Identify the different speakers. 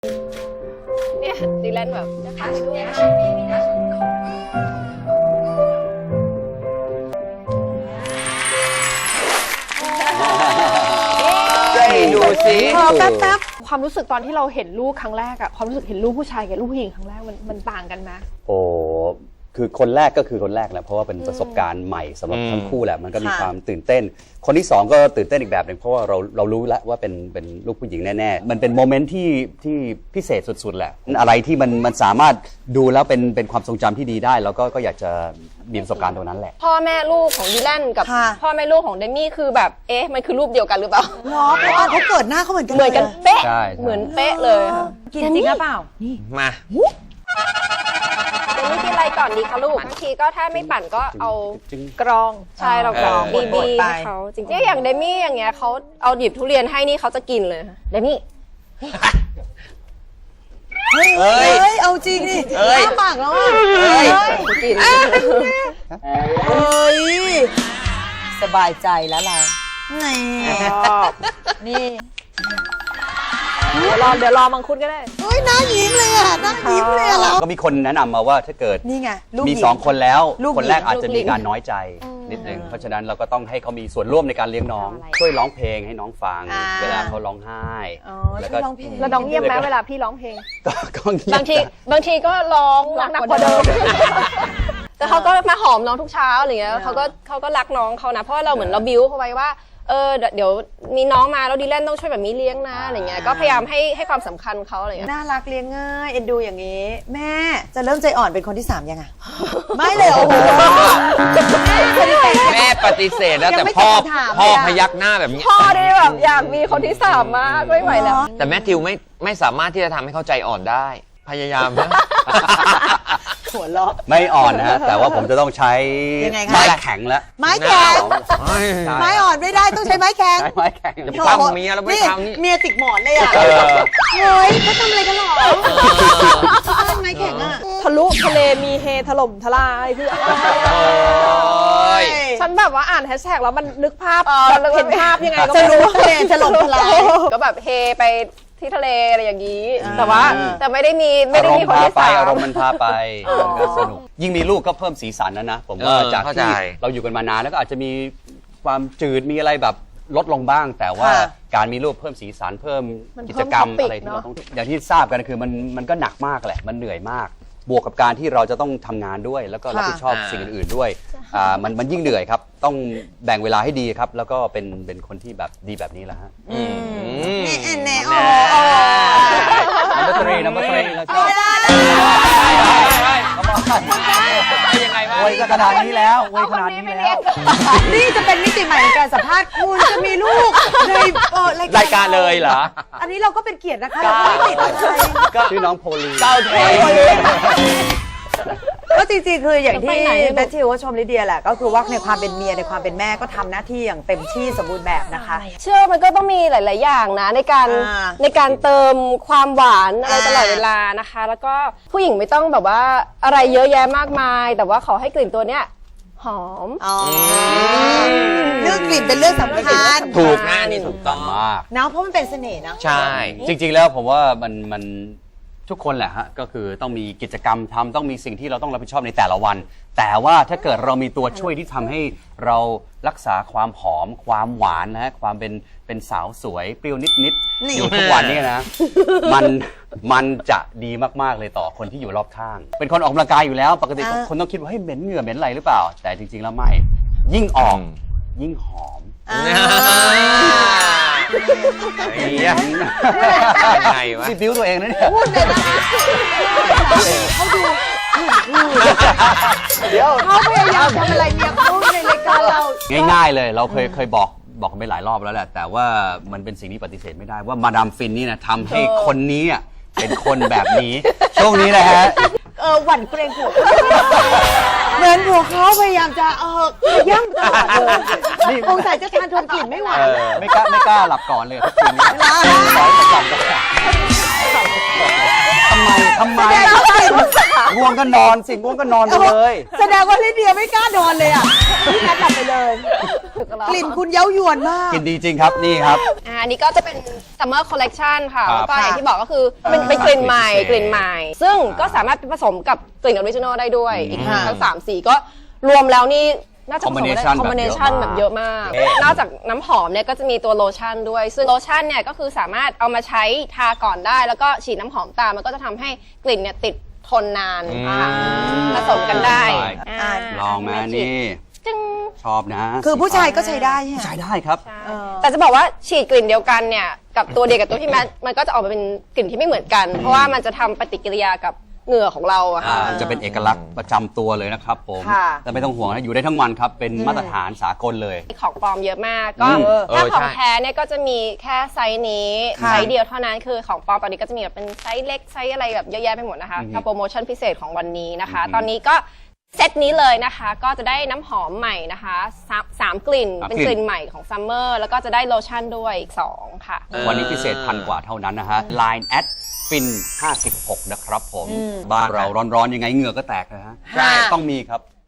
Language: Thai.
Speaker 1: เนี่ยดีแลนแบบนะคะ
Speaker 2: ดูสิ
Speaker 1: แป๊บความรู้สึกตอนที่เราเห็นลูกครั้งแรกอะความรู้สึกเห็นลูกผู้ชายกับลูกผู้หญิงครั้งแรกมันต่างกันไหม
Speaker 3: โอ้คือคนแรกก็คือคนแรกแหละเพราะว่าเป็นประสบการณ์ใหม่สำหรับทั้งคู่แหละมันก็มีความตื่นเต้นคนที่สองก็ตื่นเต้นอีกแบบหนึ่งเพราะว่าเรารู้แล้วว่าเป็นลูกผู้หญิงแน่ๆมันเป็นโมเมนต์ที่พิเศษสุดๆแหละอะไรที่มันสามารถดูแล้วเป็นความทรงจำที่ดีได้แล้วก็อยากจะมีประสบการณ์ตรงนั้นแหละ
Speaker 1: พ่อแม่ลูกของดีแลนกับพ่อแม่ลูกของเดมี่คือแบบมันคือรูปเดียวกันหรือเปล่า
Speaker 4: เนาะเพราะว่าเขาเกิดหน้าเขาเหมือนกัน
Speaker 1: เหมือนกันเป๊ะเหมือนเป๊ะเลยค่ะ
Speaker 4: กินจริงหรือเปล่านี่
Speaker 2: มา
Speaker 1: เดมี่กินอะไรก่อนดีคะลูกบางทีก็ถ้าไม่ปั่นก็เอากรองใช่เรากรองบีให้เขาจริงๆอย่างเดมี่อย่างเงี้ยเขาเอาหยิบทุเรียนให้นี่เขาจะกินเลยเดมี่
Speaker 4: เฮ้ยเอาจริงดิอ้าปากแล้วอ่ะ
Speaker 1: กิน
Speaker 4: เฮ้ยสบายใจแล้วเรานี่
Speaker 1: เดี๋ยวรอมังคุดก็ได้
Speaker 4: เฮ้ยน่ายิ้มเลยอ่ะน่ายิ้มเลยอ่ะเรา
Speaker 3: ก็มีคนแนะนำมาว่าถ้าเกิด
Speaker 4: นี่ไง
Speaker 3: มี2คนแล้วคนแรกอาจจะมีการน้อยใจนิดนึงเพราะฉะนั้นเราก็ต้องให้เขามีส่วนร่วมในการเลี้ยงน้องช่วยร้องเพลงให้น้องฟังเวลาเขาร้องไห้
Speaker 4: แล้วก็ร้องเพลง
Speaker 1: แล้วน้องเงียบไหมเวลาพี่ร้องเพลง
Speaker 3: ก็เงีย
Speaker 1: บบางทีก็ร้องหนักกว่าเดิมแต่เขาก็มาหอมน้องทุกเช้าอะไรเงี้ยเขาก็รักน้องเขานะเพราะเราเหมือนเราบิ้วเขาไว้ว่าเดี๋ยวมีน้องมาแล้วดีแลนต้องช่วยแบบนี้เลี้ยงนะอะไรเงี้ยก็พยายามให้ความสำคัญเขาอะไรเงี้ย
Speaker 4: น่ารักเลี้ยงง่ายเอ็นดูอย่างนี้แม่จะเริ่มใจอ่อนเป็นคนที่3ยังไงไม่เลยโอ้โห
Speaker 2: แม่ปฏิเสธแล้วแต่พ่อพยักหน้าแบบนี้
Speaker 1: พ่อได้แบบอยากมีคนที่3มากไม่ไหวแล้ว
Speaker 2: แต่แม่ทิวไม่สามารถที่จะทำให้เขาใจอ่อนได้พยายามนะ
Speaker 4: หัวเราะ
Speaker 3: ไม่อ่อนนะแต่ว่าผมจะต้องใช้ไม้แข็งแล้ว
Speaker 4: ไม้แข็งไม้อ่อนไม่ได้ต้องใช้ไม้แข็ง
Speaker 3: ไม้แข็ง
Speaker 2: จะทำเมียแล้วไม่ทำนี่
Speaker 4: เมียติดหมอนเลยอ่ะเฮ้ยเขาทำอะไรกันหรอไม้แข็งอ่ะ
Speaker 1: ทะลุทะเลมีเฮถล่มทลายเพื่อฉันแบบว่าอ่านแฮชแท็กแล้วมันนึกภาพเห็นภาพยังไงก็
Speaker 4: จะรู้ทะเลถล่มทลาย
Speaker 1: ก็แบบเฮไปที่ทะเลอะไรอย่างนี้แต่ไม่ได้มีคนที่3
Speaker 3: อารมณ์มันพาไปก็สนุกยิ่งมีลูกก็เพิ่มสีสันนะผมว่าจากที่เราอยู่กันมานานแล้วก็อาจจะมีความจืดมีอะไรแบบลดลงบ้างแต่ว่าการมีลูกเพิ่มสีสันเพิ่มกิจกรรมอะไรที่เราต้องอย่างที่ทราบกันคือมันก็หนักมากแหละมันเหนื่อยมากบวกกับการที่เราจะต้องทำงานด้วยแล้วก็รับผิดชอบสิ่งอื่นๆด้วยมันยิ่งเหนื่อยครับต้องแบ่งเวลาให้ดีครับแล้วก็เป็นคนที่แบบดีแบบนี้แหละฮะ
Speaker 4: แน่
Speaker 3: นัมเบอร์ 3เราชอบ
Speaker 2: ยังไงวะ
Speaker 3: เว้ยขนาดนี้แล้วเว้ยขนาดนี้แล้ว
Speaker 4: นี่จะเป็นมิติใหม่ในการสัมภาษณ์คุณจะมีลูกใน
Speaker 2: รายการเลยเหรอ
Speaker 4: อันนี้เราก็เป็นเกียรตินะคะเราไม่ติดอะไร
Speaker 3: ชื่อน้องโพลี
Speaker 2: เจ้าโพลี
Speaker 4: ก็จริงๆคืออย่างที่แมทธิวก็ชมลิเดียแหละก็คือว่าในความเป็นเมียในความเป็นแม่ก็ทำหน้าที่อย่างเต็มที่สมบูรณ์แบบนะคะ
Speaker 1: เชื่อมันก็ต้องมีหลายๆอย่างนะในการเติมความหวานอะไรตลอดเวลานะคะแล้วก็ผู้หญิงไม่ต้องแบบว่าอะไรเยอะแยะมากมายแต่ว่าขอให้กลิ่นตัวเนี้ยหอม
Speaker 4: เรื่องกลิ่นเป็นเรื่องสำคัญ
Speaker 2: ถูกนะนี่ถูกต้อง
Speaker 3: มาก
Speaker 4: นะเพราะมันเป็นเสน่ห์นะ
Speaker 2: ใช่
Speaker 3: จริงๆแล้วผมว่ามันทุกคนแหละฮะก็คือต้องมีกิจกรรมทำต้องมีสิ่งที่เราต้องรับผิดชอบในแต่ละวันแต่ว่าถ้าเกิดเรามีตัวช่วยที่ทำให้เรารักษาความหอมความหวานนะความเป็นสาวสวยเปรี้ยวนิดๆอยู่ทุกวันนี้นะมันจะดีมากๆเลยต่อคนที่อยู่รอบข้างเป็นคนออกกำลังกายอยู่แล้วปกติคนต้องคิดว่าเฮ้ยเหม็นเหงื่อเหม็นอะไรหรือเปล่าแต่จริงๆแล้วไม่ยิ่งออกยิ่งหอม
Speaker 2: ยังไงวะ
Speaker 3: บิ้วตัวเองนะเนี่ย
Speaker 4: เขาดูเดี๋ยวเขาพยายามทำอะไรเนี่ยเขาในรายการเรา
Speaker 3: ง่ายๆเลยเราเคยบอกไปหลายรอบแล้วแหละแต่ว่ามันเป็นสิ่งที่ปฏิเสธไม่ได้ว่ามาดามฟินนี่นะทำให้คนนี้เป็นคนแบบนี้ช่วงนี้นะฮะ
Speaker 4: หวั่นเกรงหัวเหมือนหัวเขาพยายามจะย่ำตลอดเลยคงใส่จะทานทนกลิ่นไม่ไหว
Speaker 3: ไม่กล้าหลับก่อนเลยทุกคืนนี้ทำไมโอ้ง่วงก็นอนสิง่วงก็นอนไปเลย
Speaker 4: แสดงว่าลิเดียไม่กล้านอนเลยอ่ะพี่แมทหลับไปเลย กลิ่นคุณเย้ายวนมาก
Speaker 3: กินดีจริงครับนี่ครับ
Speaker 1: อันนี้ก็จะเป็น summer collection ค่ะ
Speaker 3: ครับ
Speaker 1: แล้วก็อย่างที่บอกก็คือเป็นกลิ่นใหม่
Speaker 3: พิเศษ
Speaker 1: กลิ่นใหม่ ซึ่งก็สามารถผสมกับกลิ่นออริจินอลได้ด้วยอีก
Speaker 4: ค่ะ
Speaker 1: ทั้ง3สีก็รวมแล้วนี่น่าจะผสมได้
Speaker 3: Combination
Speaker 1: คอมบิเนชันแบบเยอะมาก นอกจากน้ำหอมเนี่ยก็จะมีตัวโลชั่นด้วย ซึ่งโลชั่นเนี่ยก็คือสามารถเอามาใช้ทาก่อนได้ แล้วก็ฉีดน้ำหอมตามมันก็จะทำให้กลิ่นเนี่ยติดทนนานค่ะผสมกันได้
Speaker 3: ใช่ ลองมานี่
Speaker 1: จึง
Speaker 3: ชอบนะ
Speaker 4: คือผู้ชายก็ใช้ได้ใช่ไหม
Speaker 3: ใช้ได้ครับ
Speaker 1: แต่จะบอกว่าฉีดกลิ่นเดียวกันเนี่ยกับตัวเดียวกับตัวที่แมทมันก็จะออกมาเป็นกลิ่นที่ไม่เหมือนกัน เพราะว่ามันจะทำปฏิกิริยากับเหงื่อของเราอะค่ะ
Speaker 3: จะเป็นเอกลักษณ์ประจำตัวเลยนะครับผม
Speaker 1: ค่ะ
Speaker 3: แต่ไม่ต้องห่วงนะอยู่ได้ทั้งวันครับ เป็นมาตรฐานสากลเลย
Speaker 1: ของปลอมเยอะมากก็
Speaker 3: อืม
Speaker 1: ถ้า
Speaker 2: เออ
Speaker 1: ของ
Speaker 2: ใช่
Speaker 1: แท้เนี่ยก็จะมีแค่ไซส์นี้
Speaker 4: ค่ะ
Speaker 1: ไซส์เดียวเท่านั้นคือของปลอมตอนนี้ก็จะมีแบบเป็นไซส์เล็กไซส์อะไรแบบเยอะแยะไปหมดนะคะกับโปรโมชั่นพิเศษของวันนี้นะคะ ตอนนี้ก็เซตนี้เลยนะคะก็จะได้น้ำหอมใหม่นะคะสามกลิ่น
Speaker 3: สาม
Speaker 1: เป็น
Speaker 3: กลิ่น
Speaker 1: กลิ่นใหม่ของซัมเมอร์แล้วก็จะได้โลชั่นด้วยอีก2ค่ะ
Speaker 3: วันนี้พิเศษ1,000 กว่าเท่านั้นนะฮะ Line แอดฟิน56นะครับผม บ้านเราร้อนๆยังไงเหงื่อก็แตกนะฮะ
Speaker 4: ใช่
Speaker 3: ต้องมีครับ